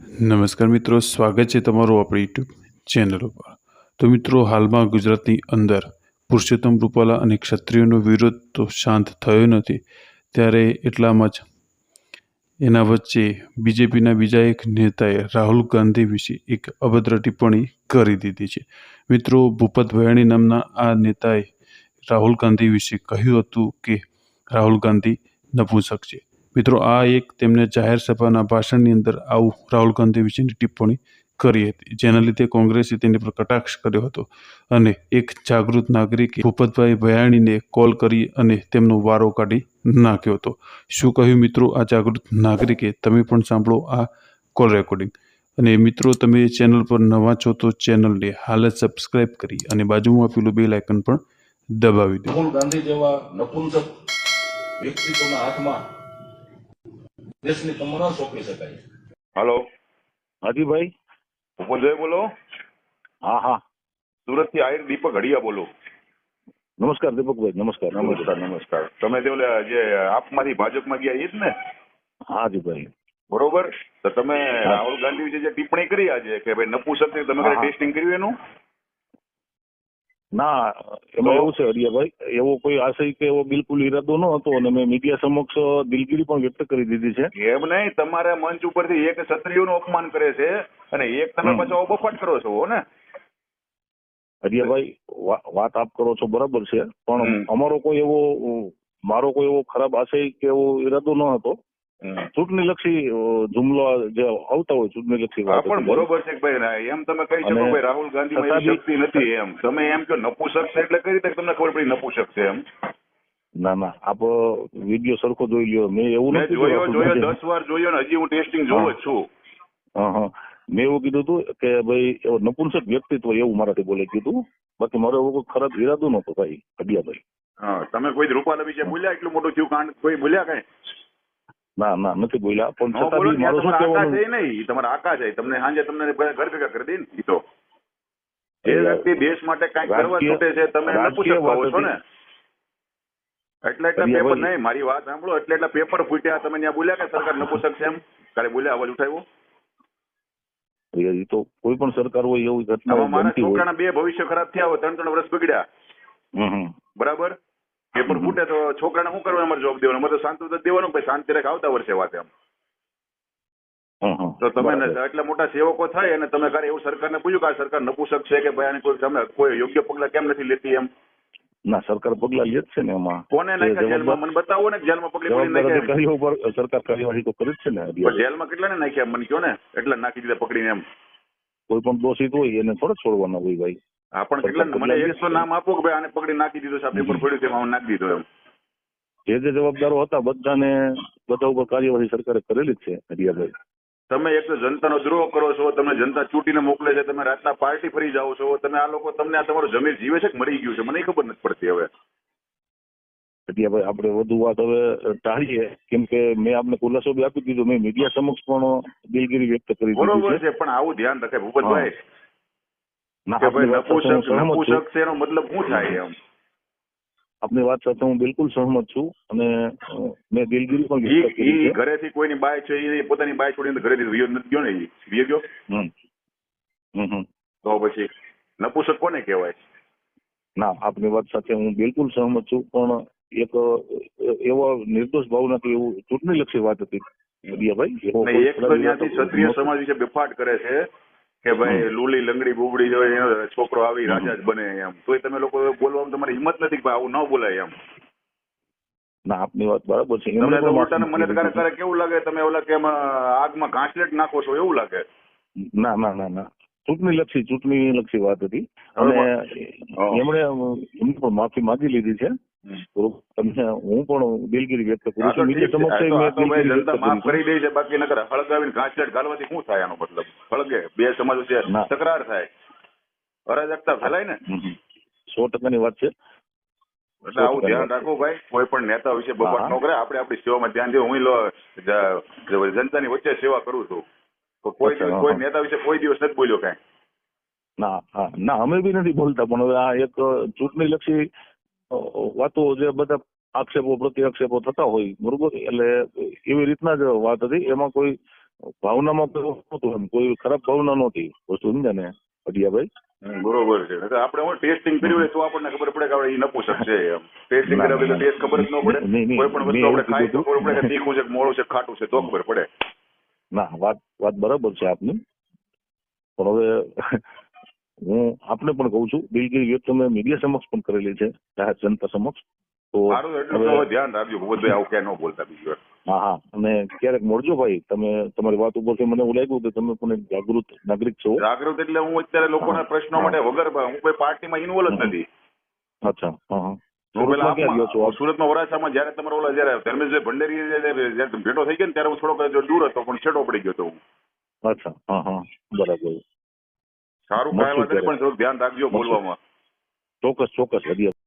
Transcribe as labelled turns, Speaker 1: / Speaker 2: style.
Speaker 1: નમસ્કાર મિત્રો, સ્વાગત છે તમારું આપણી યુટ્યુબ ચેનલ ઉપર। તો મિત્રો, હાલમાં ગુજરાતની અંદર પુરુષોત્તમ રૂપાલા અને ક્ષત્રિયોનો વિરોધ તો શાંત થયો નથી, ત્યારે એટલામાં જ એના વચ્ચે બીજેપીના બીજા એક નેતાએ રાહુલ ગાંધી વિશે એક અભદ્ર ટિપ્પણી કરી દીધી છે। મિત્રો, ભૂપત ભયાણી નામના આ નેતાએ રાહુલ ગાંધી વિશે કહ્યું હતું કે રાહુલ ગાંધી નપુંસક છે। મિત્રો, આ એક તેમને જાહેર સભાના ભાષણની અંદર આવું રાહુલ ગાંધી વિશેની ટિપ્પણી કરી હતી, જેના લીધે કોંગ્રેસે તેની પર કટાક્ષ કર્યો હતો અને એક જાગૃત નાગરિકે ભૂપતભાઈ ભયાણીને કોલ કરી અને તેમનો વારો કાઢી નાખ્યો હતો। શું કહ્યું મિત્રો આ જાગૃત નાગરિકે, તમે પણ સાંભળો આ કોલ રેકોર્ડિંગ। અને મિત્રો, તમે ચેનલ પર નવા છો તો ચેનલને હાલ જ સબસ્ક્રાઇબ કરી અને બાજુમાં આપેલું બેલ આઇકન પણ દબાવી દો।
Speaker 2: રાહુલ ગાંધી જેવા નપુંસક વ્યક્તિત્વના હાથમાં દેશની કમર ન સોંપી શકાય।
Speaker 3: हेलो
Speaker 4: हाजी भाई।
Speaker 3: भूपतભાઈ બોલો।
Speaker 4: हाँ हाँ
Speaker 3: સુરત થી આયર દીપક હડિયા બોલો।
Speaker 4: नमस्कार दीपक भाई। नमस्कार
Speaker 3: નમસ્કાર નમસ્કાર। તમે તે ઓલા જે આપમાંથી ભાજપમાં ગયા એ જ ને?
Speaker 4: हाँ जी भाई
Speaker 3: બરોબર। તો તમે રાહુલ ગાંધી વિશે જે ટિપ્પણી કરી આજે કે ભાઈ નપુંસક ને, તમે
Speaker 4: હા,
Speaker 3: કઈ ટેસ્ટિંગ કર્યું એનું?
Speaker 4: ના એમાં એવું છે હરિયાભાઈ, એવો કોઈ આશય કે એવો બિલકુલ ઈરાદો ન હતો અને મેં મીડિયા સમક્ષ દિલગીરી પણ વ્યક્ત કરી દીધી છે।
Speaker 3: એમ નહીં, તમારા મંચ ઉપરથી એક ક્ષત્રિયોનું અપમાન કરે છે અને એક તમે પાછો બફાટ કરો છો ને?
Speaker 4: હરિયાભાઈ, વાત આપ કરો છો બરાબર છે, પણ અમારો કોઈ એવો મારો કોઈ એવો ખરાબ આશય કે એવો ઈરાદો ન હતો। ચૂંટણી લક્ષી જુમલો જે આવતા હોય ચૂંટણી લક્ષી
Speaker 3: હા,
Speaker 4: વાત
Speaker 3: પણ
Speaker 4: હતી
Speaker 3: બરોબર છે કે ભાઈ એમ તમે કહી શકો ભાઈ રાહુલ ગાંધીમાં એવી શક્તિ નથી એમ, તમે એમ કહો નપુંસક છે એટલે કઈ રીતે તમને ખબર પડી નપુંસક છે એમ?
Speaker 4: ના ના, આપ વિડીયો સરખો જોઈ લ્યો। મેં એવું
Speaker 3: મેં
Speaker 4: નથી
Speaker 3: જોયો
Speaker 4: કીધું.
Speaker 3: 10 વાર જોયો ને હજી હું ટેસ્ટિંગ જોઉં જ છું।
Speaker 4: હા હા, મેં એવું કીધું હતું કે ભાઈ એવો નપુંસક વ્યક્તિત્વ એવું મારાથી બોલે કીધું, બાકી મારો એવો કોઈ ખરાબ ઈરાદો નહોતો ભાઈ હડિયાભાઈ।
Speaker 3: હા, તમે કોઈ રૂપાલા વિશે બોલ્યા એટલું મોટું થયું કાંડ કોઈ બોલ્યા કઈ?
Speaker 4: ના ના, નથી બોલ્યા, પણ
Speaker 3: ન
Speaker 4: છતાં
Speaker 3: બોલો
Speaker 4: બી મારું શું
Speaker 3: તમારા આકા
Speaker 4: કહેવાનું,
Speaker 3: છે નહીં, તમારા આકા છે, તમને સાંજે તમને ઘર ભેગા કરી દે ને ઈ તો। જે વ્યક્તિ દેશ માટે કઈક કરવા છૂટે છે તમે નપુંસક કહો છો ને? એટલે પેપર નહીં, મારી વાત સાંભળો, એટલે પેપર ફૂટ્યા, તમે ત્યાં બોલ્યા કે સરકાર નપુંસક છે એમ? કાલે બોલ્યા, અવાજ ઉઠાવ્યો?
Speaker 4: એ તો કોઈ પણ સરકાર હોય એવી ઘટના
Speaker 3: મારા
Speaker 4: બનતી હોય।
Speaker 3: છોકરાના 2 ભવિષ્ય ખરાબ થયા હોય, 3 વર્ષ બગડ્યા, બરાબર? પેપર ફૂટે તો છોકરાને શું કરવાનું? અમારે જોબ દેવાનો, અમારે તો શાંતિ દેવાનું, પછી શાંતિ રાખ આવતા વર્ષે વાત એમ। તો તમે એટલા મોટા સેવકો થાય અને તમે ક્યારે એવું સરકારને પૂછ્યું કે આ સરકાર નપુંસક છે કે ભાઈ આને કોઈ તમે કોઈ યોગ્ય પગલા કેમ નથી લેતી એમ?
Speaker 4: ના, સરકાર પગલા લે જ છે ને એમાં।
Speaker 3: કોને નાખ્યા જેલમાં? મને બતાવો ને, જેલમાં પગલી પડી નાખ્યા?
Speaker 4: અધિકારીઓ પર સરકાર કાર્યવાહી તો કરે જ છે ને।
Speaker 3: પણ જેલમાં કેટલાને નાખ્યા મને કહો ને? એટલા નાખી દીધા પકડીને એમ?
Speaker 4: કોઈ પણ દોષિત હોય એને થોડા છોડવાના હોય ભાઈ।
Speaker 3: હા, પણ કેટલા? મને 100 નામ આપો કે ભાઈ આને પકડી નાખી દીધો છે, આ પેપર પડ્યું છે એમાં નાખી દીધો એમ?
Speaker 4: જે જવાબદારો હતા બધા ઉપર કાર્યવાહી સરકારે કરેલી જ છે હરિયાભાઈ।
Speaker 3: તમે એક તો જનતાનો દ્રોહ કરો છો, તમે જનતા ચૂંટીને મોકલે છે, તમે રાતના પાર્ટી ફરી જાઓ છો, તમે આ લોકો તમને આ તમારું જમીન જીવે છે કે મરી ગયું છે મને ખબર નથી પડતી હવે।
Speaker 4: હરિયાભાઈ, આપણે વધુ વાત હવે ટાળીએ, કેમ કે મેં આપને ખુલાસો બી આપી દીધો, મેં મીડિયા સમક્ષ પણ દિલગીરી વ્યક્ત કરી દીધી
Speaker 3: બરોબર છે, પણ આવું ધ્યાન રખાય ભૂપતભાઈ
Speaker 4: ના,
Speaker 3: કે ભાઈ
Speaker 4: આપની
Speaker 3: નપુંસક છે એનો મતલબ શું થાય એમ?
Speaker 4: આપની વાત સાથે હું બિલકુલ સહમત છું અને મેં દિલગીરી પણ વ્યક્ત કરી છે।
Speaker 3: ઘરેથી કોઈની બાય છે એ પોતાની બાય છોડીને ઘરેથી વિયો નથી ગયો ને? એ વિયો ગયો તો પછી નપુંસક કોને કહેવાય?
Speaker 4: ના, આપની વાત સાથે હું બિલકુલ સહમત છું, પણ એક એવો નિર્દોષ ભાવનાથી એવું ચૂંટણી લક્ષી વાત હતી હરિયાભાઈ।
Speaker 3: એક તો ત્યાંથી ક્ષત્રિય સમાજ વિશે બેફાટ કરે છે કે ભાઈ લુલી લંગડી બુબડી હોય એનો છોકરો આવી રાજા જ બને એમ, તોય તમે લોકો બોલવામાં તમારી હિંમત નથી કે આવું ન બોલાય એમ?
Speaker 4: ના, આપની વાત બરાબર છે।
Speaker 3: તમને તો ઉલટાને મને ક્યારેક કેવું લાગે તમે ઓલા કે આગમાં ઘાસલેટ નાખો છો એવું લાગે।
Speaker 4: ના ના ના ના, ચૂંટણી લક્ષી વાત હતી અને એમણે પણ માફી માંગી લીધી છે। તમને હું પણ દિલગીરી વ્યક્ત કરું છું,
Speaker 3: જનતા માફ કરી દે છે, બાકી નકર હળગાવીને ઘાસલેટ ઘાલવાથી શું થાય? આનો મતલબ હળગે બે સમાજ વચ્ચે તકરાર થાય, અરાજકતા ફેલાય ને?
Speaker 4: 100% વાત છે।
Speaker 3: એટલે આવું ધ્યાન રાખવું ભાઈ, કોઈ પણ નેતા વિશે બફાટ ન કરે, આપણે આપણી સેવામાં ધ્યાન દેવું। હું જનતાની વચ્ચે સેવા કરું છું, તો કોઈ નેતા વિશે કોઈ દિવસ નથી બોલ્યો કાંઈ?
Speaker 4: ના ના, અમે બી નથી બોલતા, પણ હવે આ એક ચૂંટણી લક્ષી વાતો જે બધા આક્ષેપો પ્રતિ આક્ષેપો થતા હોય, બરોબર, એટલે એવી રીતના જ વાત હતી, એમાં કોઈ ભાવનામાં કોઈ નહોતું, એમ કોઈ ખરાબ ભાવના નહોતી વસ્તુ, સમજ્યા ને અડિયાભાઈ?
Speaker 3: બરોબર છે. નકર આપણે હું ટેસ્ટિંગ કર્યું હોય તો આપણને ખબર પડે કે આપણે ઈ નપુસક છે એમ. ટેસ્ટિંગ કર્યા વગર ટેસ્ટ ખબર જ ન પડે.
Speaker 4: નહીં,
Speaker 3: કોઈ પણ વસ્તુ આપણે ખાઈ તો
Speaker 4: કીધું
Speaker 3: ખબર પડે કે તીખું છે કે મોળું છે કે ખાટું છે તો ખબર પડે.
Speaker 4: ના, વાત બરાબર છે આપની, પણ હવે હું આપને પણ કહું છું, દિલગીરી વ્યક્ત તમે મીડિયા સમક્ષ પણ કરેલી છે, જાહેર જનતા સમક્ષ. તો
Speaker 3: સારું, એટલું તો હવે ધ્યાન રાખજો ભૂપતભાઈ, આવું ક્યાં ન બોલતા બીજી વાર.
Speaker 4: હા હા, અને ક્યારેક મળજો ભાઈ, તમે તમારી વાત ઉપરથી મને એવું લાગ્યું કે તમે પણ એક જાગૃત નાગરિક છો.
Speaker 3: જાગૃત એટલે હું અત્યારે લોકોના પ્રશ્નો માટે વગર હું કોઈ પાર્ટીમાં ઇન્વોલ્વ જ નથી.
Speaker 4: અચ્છા, હા હા.
Speaker 3: હું પેલા
Speaker 4: સુરતમાં ક્યાં ગયો છો આપ?
Speaker 3: સુરતમાં વરાછામાં જયારે તમારો ઓલા જયારે ધર્મેશભાઈ ભંડેરી જયારે ભેટો થઈ ગયો ને ત્યારે હું થોડોક દૂર હતો, પણ છેટો પડી ગયો હતો હું.
Speaker 4: અચ્છા, હા હા, બરાબર.
Speaker 3: સારું, કાંઈ વાત નહીં, પણ થોડુંક ધ્યાન રાખજો બોલવામાં.
Speaker 4: ચોક્કસ ચોક્કસ.